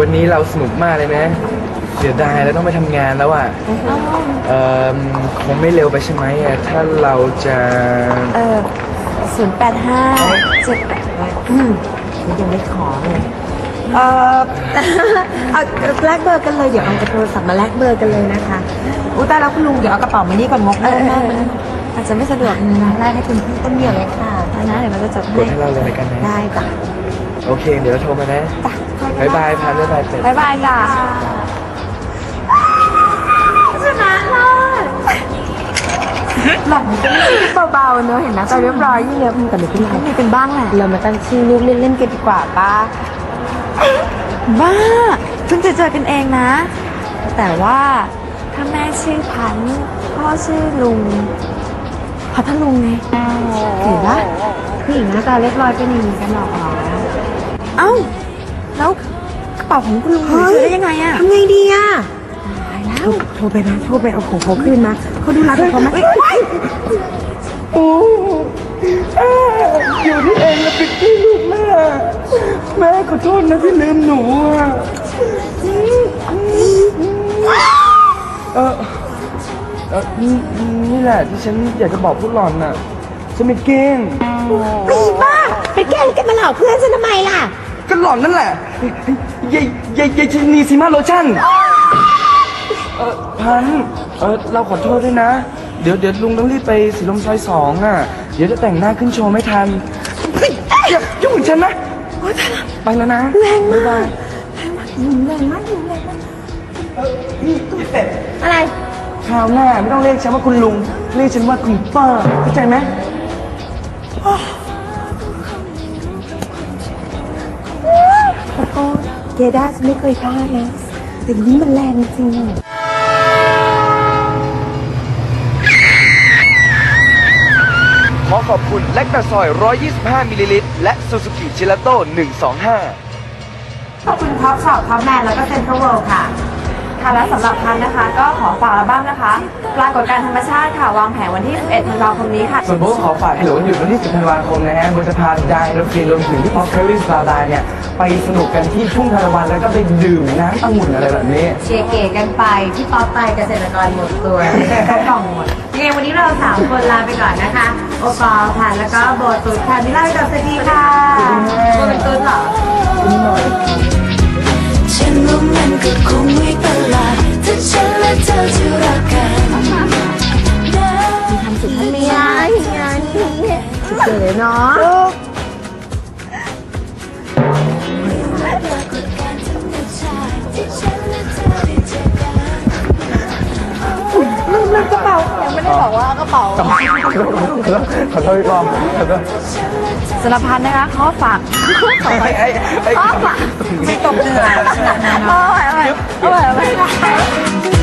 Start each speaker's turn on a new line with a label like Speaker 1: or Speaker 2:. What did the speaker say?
Speaker 1: วันนี้เราสนุกมากเลยนะเสียดายแล้วต้องไปทำงานแล้วอ่ะคงไม่เร็วไปใช่ไหมอ่ะถ้าเราจะ
Speaker 2: ยังไม่ขอเลยเอาแลกเบอร์กันเลยเดี๋ยวเอาโทรศัพท์มาแลกเบอร์กันเลยนะคะอุ้ยตายแล้วคุณลุงเดี๋ยวเอากระเป๋ามานี่ก่อนงกเลยอาจจะไม่สะดวกนะแลกให้คุณพี่ต้นเดียวเลยค่ะนะเดี๋ยวเราจะจด
Speaker 1: กดให้เราเลยกันนะ
Speaker 2: ได้จ้ะ
Speaker 1: โอเคเดี๋ยวเราโทรมานะบายบายพันบ๊ายบายเป็ด
Speaker 2: บายบายจ้ะชนะเลยหลังจะไม่ใช่เบาๆเนอะเห็นนะใจเรียบร้อยยิ่งเยอะแต่เดี๋ยวพี่มีเป็นบ้างแหละเรามาตั้งชื่อลูกเล่นๆกันดีกว่าป้าบ้าเพิ่งจะเจอกันเองนะแต่ว่าถ้าแม่ชื่อพันพ่อชื่อลุงพัทลุงไงเห็นปะผู้หญิงหน้าตาเรียบร้อยเป็นอย่างนี้กันหรอเอ้าแล้วกระเป๋าของคุณลุงเจอได้ยังไงอะทำไงดีอะตายแล้วโทรไปนะโทรไปเอาของเขาคืนมาเขาดูรักเขาไหม
Speaker 1: โอ้อยู่ที่เองนะปิดที่ลูกแม่ขอโทษนะที่ลืมหนูอ่ะนี่แหละที่ฉันอยากจะบอกพวกหล่อนน่ะฉันไม่เก่ง
Speaker 2: ไม่บ้าไปแกล้งกันมาหลอกเพื่อนฉันทำไมล่ะ
Speaker 1: ก็หล่อนนั่นแหละยายชินีซีมาโลชั่นพันเราขอโทษด้วยนะเดี๋ยวลุงต้องรีบไปสีลมซอย2อ่ะเดี๋ยวจะแต่งหน้าขึ้นโชว์ไม่ทันอย่ายุ่งกับฉันนะไปแล้วนะ
Speaker 2: แรงมาก
Speaker 1: บ๊ายบาย
Speaker 2: แรงมาก
Speaker 1: นี่เป็ด
Speaker 2: อะไร
Speaker 1: คราวหน้าไม่ต้องเรียกฉันว่าคุณลุงเรียกฉันว่าคุณป้าเข้าใจไหม
Speaker 2: แล้วก็เกด้าฉันไม่เคยพลาดนะแต่นี้มันแรงจริง
Speaker 1: ขอขอบคุณแลคตาซอย125มิลลิลิตรและซูซูกิเจลาโต้125
Speaker 2: ขอบคุณท็อปช็อปท็อปแมนแล้วก็เซ็นทรัลเวิลด์ค่ะค่ะและสำหรับพันนะคะก็ขอฝากอัลบั้มนะคะปรากฏการณ์ธรรมชาติค่ะวางแผนวันที่ 11 ธันวาคมนี้ค่ะ
Speaker 1: ส่วนโบ๊ทขอฝากให้หลงหยุดวันที่10 ธันวาคมนะฮะโบจะพาไดโนฟินรวมถึงที่พอเคอรี่สตาร์ดาเนี่ยไปสนุกกันที่ทุ่งทานตะวันแล้วก็ไปดื่มน้ำองุ่นอะไรแบบนี้
Speaker 2: เชียร์เก๋กันไปพี่ป๊อปไปเกษตรกรหมดตัวก็กล่องหมดยังไงวันนี้เรา3 คนลาไปก่อนนะคะโอปอล์ค่ะแล้วก็โบตุ๊ดค่ะมิล่ากับสวัสดีค่ะโบเป็นตุ๊ดเหรอ
Speaker 3: ฉันว่ามันก็คงไม่ประหลาดถ้าฉันและเธอจะรักกัน
Speaker 2: มีทำสุดท่านไม่ได้งานสุดเลยเนาะลืมกระเป๋ายังไม่ได้บอกว่ากระเป๋า
Speaker 1: ขอโทษอีกรอบ
Speaker 2: สารพันนะคะข้อฝากข้อฝากไม่ตกเหนื่อยขนาดนั้นเนาะเอาไว้